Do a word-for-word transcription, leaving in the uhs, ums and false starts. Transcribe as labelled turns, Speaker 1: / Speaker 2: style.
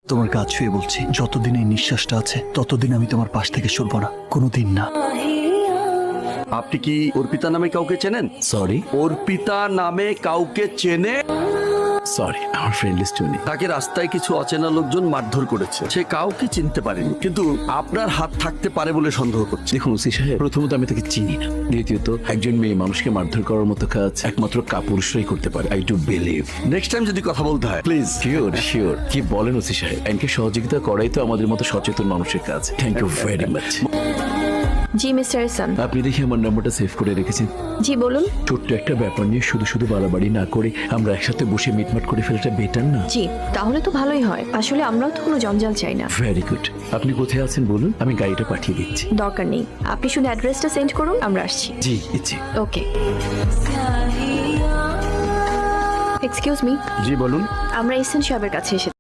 Speaker 1: তোমার গা ছুঁয়ে বলছি, যতদিন এই নিঃশ্বাসটা আছে ততদিন আমি তোমার পাশ থেকে সরব না, কোনোদিন না।
Speaker 2: আপনি কি অর্পিতা নামে কাউকে চেনেন?
Speaker 3: সরি
Speaker 2: অর্পিতা নামে কাউকে চেনে?
Speaker 3: সরি আমার ফ্রেন্ড লিস্টে নেই।
Speaker 2: তাকে রাস্তায় কিছু অচেনা লোকজন মারধর করেছে, সে কাউকে চিনতে পারেনি, কিন্তু আপনার হাত থাকতে পারে বলে সন্দেহ করছে।
Speaker 3: দেখুন ওসি সাহেব, প্রথমত আমি তাকে চিনি না, দ্বিতীয়ত একজন মেয়ে মানুষকে মারধর করার মতো কাজ একমাত্র কাপুরুষরাই করতে পারে। I do believe.
Speaker 2: Next time যদি কথা বলতে হয় প্লিজ।
Speaker 3: শিওর শিওর কি বলেন ওসি সাহেব, আইনকে সহযোগিতা করাই তো আমাদের মতো সচেতন মানুষের কাজ। Thank you very much.
Speaker 4: জি মিস্টার এহসান।
Speaker 3: আপনি দেখি আমার নাম্বারটা সেভ করে রেখেছেন।
Speaker 4: জি বলুন।
Speaker 3: ছোট্ট একটা ব্যাপার নিয়ে শুধু শুধু বাড়াবাড়ি না করে আমরা একসাথে বসে মিটমাট করে ফেলাটা বেটার না?
Speaker 4: জি তাহলে তো ভালোই হয়, আসলে আমরাও তো কোনো জঞ্জাল চাই না।
Speaker 3: Very good. আপনি কোথায় আছেন বলুন, আমি গাড়িটা পাঠিয়ে দিচ্ছি।
Speaker 4: দরকার নেই, আপনি শুধু অ্যাড্রেসটা সেন্ড করুন, আমরা আসছি।
Speaker 3: জি ইচ্ছে।
Speaker 4: ওকে। এক্সকিউজ মি,
Speaker 2: জি বলুন।
Speaker 4: আমরা এহসান সাহেবের কাছে এসে